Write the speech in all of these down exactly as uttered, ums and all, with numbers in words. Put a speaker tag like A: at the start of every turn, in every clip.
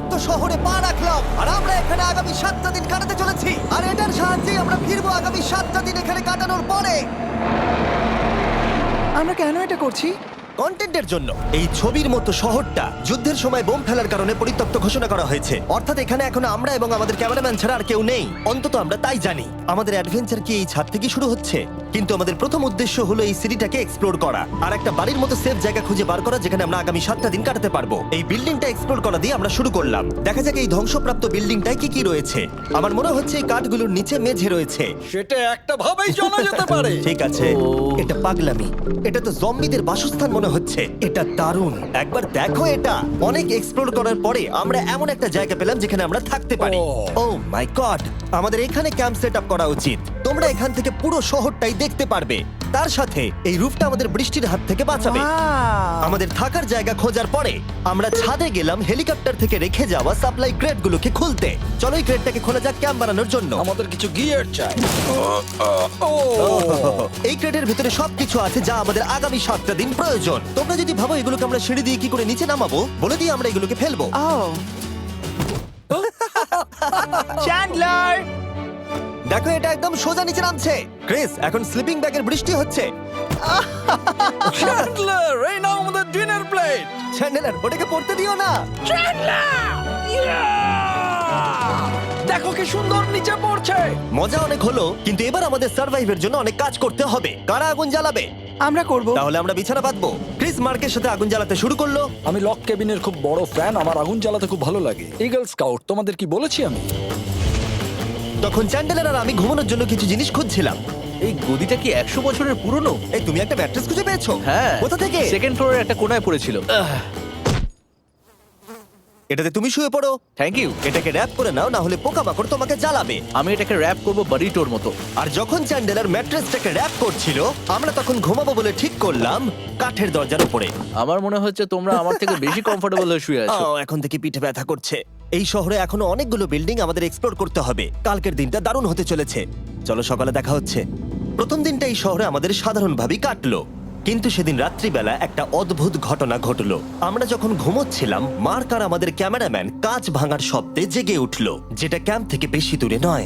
A: বিষাক্ত শহরে পা রাখলাম আর আমরা এখানে আগামী সাতটা দিন কাটাতে চলেছি আর এটার সাহায্যে আমরা ফিরবো আগামী সাতটা দিন এখানে কাটানোর পরে।
B: আমরা কেন এটা করছি?
A: কন্টেন্টের জন্য। এই ছবির মতো শহরটা যুদ্ধের সময় বোম ফেলার কারণে পরিত্যক্ত ঘোষণা করা হয়েছে, অর্থাৎ এখানে এখন আমরা এবং আমাদের ক্যামেরাম্যান ছাড়া আর কেউ নেই, অন্তত আমরা তাই জানি। আমাদের অ্যাডভেঞ্চার কি এই ছাদ থেকে শুরু হচ্ছে? কিন্তু আমাদের প্রথম উদ্দেশ্য হলো এই সিটিটাকে এক্সপ্লোর করা আর একটা বাড়ির মতো সেফ জায়গা খুঁজে বার করা যেখানে আমরা আগামী সাতটা দিন কাটাতে পারবো। এই বিল্ডিংটা এক্সপ্লোর করা দিয়ে আমরা শুরু করলাম। দেখা যাক এই ধ্বংসপ্রাপ্ত বিল্ডিংটায় কি কি রয়েছে। আমার মনে হচ্ছে এই কাঠগুলোর নিচে মেঝে রয়েছে।
C: সেটা একটা ভাবেই জানা যেতে পারে।
A: ঠিক আছে, এটা পাগলামি। এটা তো জম্বিদের বাসস্থান মনে হচ্ছে। এটা দারুণ, একবার দেখো এটা। অনেক এক্সপ্লোর করার পরে আমরা এমন একটা জায়গা পেলাম যেখানে আমরা থাকতে পারি। ও মাই গড, আমাদের এখানে ক্যাম্প সেট আপ করা উচিত। তোমরা এখান থেকে পুরো শহরটাই দেখতে পারবে। তার সাথে এই রুফটা আমাদের বৃষ্টির হাত থেকে বাঁচাবে।
B: Wow!
A: আমাদের থাকার জায়গা খোঁজার পরে আমরা ছাদে গেলাম হেলিকপ্টার থেকে রেখে যাওয়া সাপ্লাই ক্রেটগুলোকে খুলতে। চলো এই ক্রেটটাকে খোলা যাক ক্যাম্প বানানোর জন্য।
C: আমাদের কিছু গিয়ার চাই। ও
A: এই ক্রেটের ভিতরে সবকিছু আছে যা আমাদের আগামী সাতটা দিন প্রয়োজন। তোমরা যদি ভাবো এগুলোকে আমরা সিঁড়ি দিয়ে কি করে নিচে নামাবো, বলে দিয়ে আমরা এগুলোকে ফেলবো।
B: Oh! চ্যান্ডলার!
A: দেখো এটা একদম সোজা নিচে নামছে। ক্রিস, এখন স্লিপিং ব্যাগের বৃষ্টি হচ্ছে।
C: চ্যান্ডলার, এই নাও আমাদের ডিনার প্লেট।
A: চ্যান্ডেলার, ওটাকে পড়তে দিও না।
C: দেখো কি সুন্দর নিচে পড়ছে।
A: মজা অনেক হলো, কিন্তু এবার আমাদের সার্ভাইভের জন্য অনেক কাজ করতে হবে। কারা আগুন জ্বালাবে?
B: আমরা করব।
A: তাহলে আমরা বিছানা বাঁধবো। ক্রিস মার্কের সাথে আগুন জ্বালাতে শুরু করলো।
C: আমি লক কেবিনের খুব বড় ফ্যান, আমার আগুন জ্বালাতে খুব ভালো লাগে। ইগল স্কাউট, তোমাদের কি বলেছি আমি?
A: তখন চ্যান্ডেলার আর আমি ঘুমানোর জন্য কিছু জিনিস খুঁজছিলাম।
D: এই গদিটা কি একশো বছরের পুরনো?
A: এই তুমি একটা ম্যাট্রেস খুঁজে পেয়েছো?
D: হ্যাঁ।
A: কোথা থেকে?
D: সেকেন্ড ফ্লোরের একটা কোণায় পড়েছিল।
A: এটাতে তুমি শুয়ে পড়ো।
D: Thank you.
A: এটাকে র‍্যাপ করে নাও, না হলে পোকামাকড় তোমাকে জ্বালাবে।
D: আমি এটাকে র‍্যাপ করব বারিটোর মতো।
A: আর যখন চ্যান্ডেলার ম্যাট্রেসটাকে র‍্যাপ করছিল, আমরা তখন ঘুমাবো বলে ঠিক করলাম কাঠের দরজার উপরে।
D: আমার মনে হচ্ছে তোমরা আমার থেকে বেশি কমফোর্টেবল হয়ে শুয়ে আছো।
A: আহ, এখন থেকে পিঠে ব্যথা করছে। এই শহরে এখনো অনেকগুলো বিল্ডিং আমাদের এক্সপ্লোর করতে হবে। কালকের দিনটা দারুণ হতে চলেছে। চলো সকালে দেখা হচ্ছে। প্রথম দিনটা এই শহরে আমাদের সাধারণভাবেই কাটলো, কিন্তু সেদিন রাত্রিবেলা একটা অদ্ভুত ঘটনা ঘটলো। আমরা যখন ঘুমোচ্ছিলাম, মার্ক আর আমাদের ক্যামেরাম্যান কাঁচ ভাঙার শব্দে জেগে উঠলো, যেটা ক্যাম্প থেকে বেশি দূরে নয়।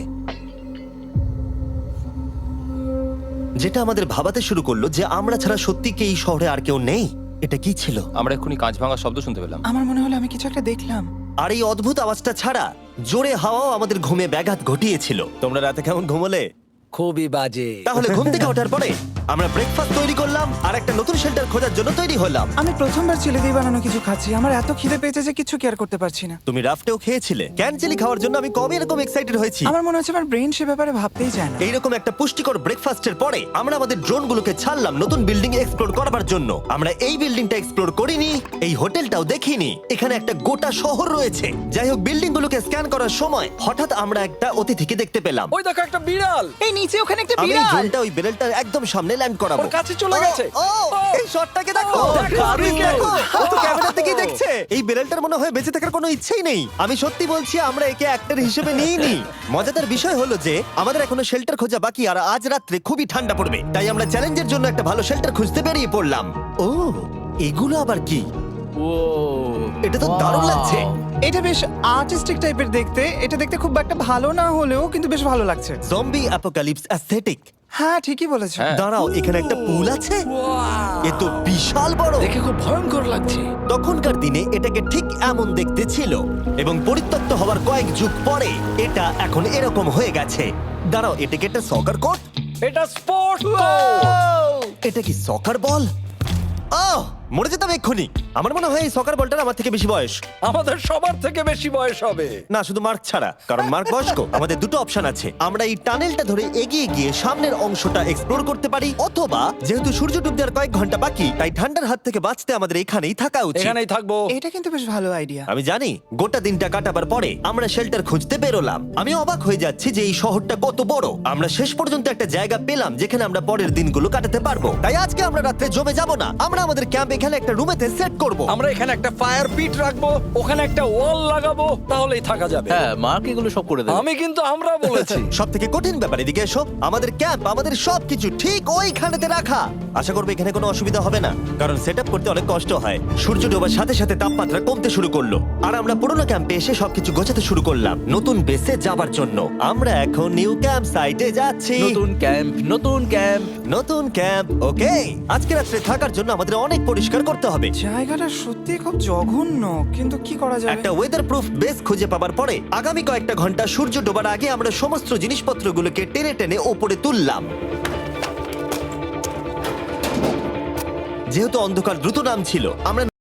A: যেটা আমাদের ভাবাতে শুরু করলো যে আমরা ছাড়া সত্যি কি এই শহরে আর কেউ নেই। এটা কি ছিল?
E: আমরা এক্ষুনি কাঁচ ভাঙার শব্দ শুনতে পেলাম।
B: আমার মনে হলো আমি কিছু একটা দেখলাম।
A: আর এই অদ্ভুত আওয়াজটা ছাড়া জোরে হাওয়াও আমাদের ঘুমে ব্যাঘাত ঘটিয়েছিল। তোমরা রাতে কেমন ঘুমোলে?
C: খুবই বাজে।
A: তাহলে ঘুম থেকে ওঠার পরে আমরা ব্রেকফাস্ট তৈরি করলাম আর একটা নতুন শেল্টার খোঁজার জন্য তৈরি হলাম।
B: আমি প্রথমবার ছেলে দিয়ে বানানো কিছু খাচ্ছি। আমার এত খিদে পেয়েছে যে কিছু কেয়ার করতে পারছি না।
A: তুমি রাফটেও খেয়েছিলে। ক্যানচেলি খাওয়ার জন্য আমি কবে এরকম এক্সাইটেড হয়েছি।
B: আমার মনে হচ্ছে আমার ব্রেন সে ব্যাপারে ভাবতেই চায় না।
A: এইরকম একটা পুষ্টিকর ব্রেকফাস্টের পরে আমরা আমাদের ড্রোনগুলোকে ছাড়লাম নতুন বিল্ডিং এক্সপ্লোর করার জন্য। আমরা এই বিল্ডিংটা এক্সপ্লোর করিনি, এই হোটেলটাও দেখিনি। এখানে একটা গোটা শহর রয়েছে। যাই হোক, বিল্ডিংগুলোকে স্ক্যান করার সময় হঠাৎ আমরা একটা অতিথিকে দেখতে পেলাম।
C: ওই দেখো একটা বিড়াল।
B: এই নিচে ওখানে একটা
A: আমি এই
B: বিড়াল।
A: ড্রোনটা ওই বেলটার একদম সামনে ল্যান্ড করাবো।
C: ওর কাছে চলে গেছে।
A: ও, ও, এই শটটাকে দেখো।
C: ও, দেখো,
A: দারুণ,
C: দেখো।
A: দেখো। ও তো ক্যামেরা থেকেই দেখছে। এই বেলটার মনে হয় বেঁচে থাকার কোনো ইচ্ছেই নেই। আমি সত্যি বলছি, আমরা একে অ্যাক্টর হিসেবে নিইনি। মজাদার বিষয় হলো যে আমাদের এখনো শেল্টার খোঁজা বাকি, আর আজ রাত্রে খুবই ঠান্ডা পড়বে। তাই আমরা চ্যালেঞ্জের জন্য একটা ভালো শেল্টার খুঁজতে বেরিয়ে পড়লাম। ও, এগুলো আবার কি?
D: ও
A: এটা তো দারুণ লাগছে।
B: এটা বেশ আর্টিস্টিক টাইপের দেখতে। এটা দেখতে খুব একটা ভালো না হলেও কিন্তু বেশ ভালো লাগছে।
A: Zombie apocalypse aesthetic.
B: হ্যাঁ, ঠিকই বলেছো।
E: হ্যাঁ।
A: দাঁড়াও, এখানে একটা পুল আছে। এ তো বিশাল বড়।
C: দেখে খুব ভয়ঙ্কর লাগছে।
A: তখনকার দিনে এটাকে ঠিক এমন দেখতে ছিল, এবং পরিত্যক্ত হওয়ার কয়েক যুগ পরে এটা এখন এরকম হয়ে গেছে। দাঁড়াও, এটাকে একটা সকার কোর্ট?
C: এটা স্পোর্ট কোর্ট।
A: এটা কি সকার বল? আহ, মরে যেতাম এক্ষুনি। আমার মনে হয় এই সকার বলটার আমার থেকে বেশি বয়স।
C: আমাদের সবার থেকে বেশি বয়স হবে।
A: না, শুধু মার্ক ছাড়া, কারণ মার্ক বয়স্ক। আমাদের দুটো অপশন আছে। আমরা এই টানেলটা ধরে এগিয়ে গিয়ে সামনের অংশটা এক্সপ্লোর করতে পারি, অথবা যেহেতু সূর্য ডুব দেওয়ার কয়েক ঘন্টা বাকি, তাই ঠান্ডার হাত থেকে বাঁচতে আমাদের এখানেই থাকা উচিত।
C: এখানেই থাকবো।
B: এটা কিন্তু বেশ ভালো আইডিয়া।
A: আমি জানি। গোটা দিনটা কাটাবার পরে আমরা শেল্টার খুঁজতে বেরোলাম। আমি অবাক হয়ে যাচ্ছি যে এই শহরটা কত বড়। আমরা শেষ পর্যন্ত একটা জায়গা পেলাম যেখানে আমরা পরের দিনগুলো কাটাতে পারবো। তাই আজকে আমরা রাত্রে জমে যাব না। আমরা আমাদের ক্যাম্প এখানে একটা রুমেতে সেট করব?
C: আমরা এখানে একটা ফায়ার পিট রাখবো, ওখানে একটা ওয়াল লাগাবো, তাহলেই থাকা যাবে।
D: হ্যাঁ মার্ক এগুলো সব করে দেবে।
C: আমি কিন্তু আমরা বলেছি।
A: সব থেকে কঠিন ব্যাপার, এদিকে এসো। আমাদের ক্যাম্প, আমাদের সবকিছু ঠিক ওইখানেতে রাখা। আশা করবো এখানে কোনো অসুবিধা হবে না, কারণ সেট আপ করতে অনেক কষ্ট হয়। সূর্য ডোবার সাথে সাথে তাপমাত্রা কমতে শুরু করলো, আর আমরা পুরোনো ক্যাম্পে এসে সবকিছু গোছাতে শুরু করলাম নতুন বেসে যাবার জন্য। আমরা এখন নিউ ক্যাম্প সাইটে যাচ্ছি।
D: নতুন ক্যাম্প, নতুন ক্যাম্প।
A: নতুন ক্যাম্প, ওকে। আজকে রাত্রে থাকার জন্য আমাদের অনেক পরিষ্কার করতে হবে।
B: জায়গাটা সত্যি খুব জঘন্য, কিন্তু কি করা যাবে?
A: একটা ওয়েদার প্রুফ বেস খুঁজে পাবার পরে আগামী কয়েকটা ঘন্টা সূর্য ডোবার আগে আমরা সমস্ত জিনিসপত্রগুলোকে টেনে টেনে ওপরে তুললাম। যেহেতু অন্ধকার দ্রুত নামছিল, আমরা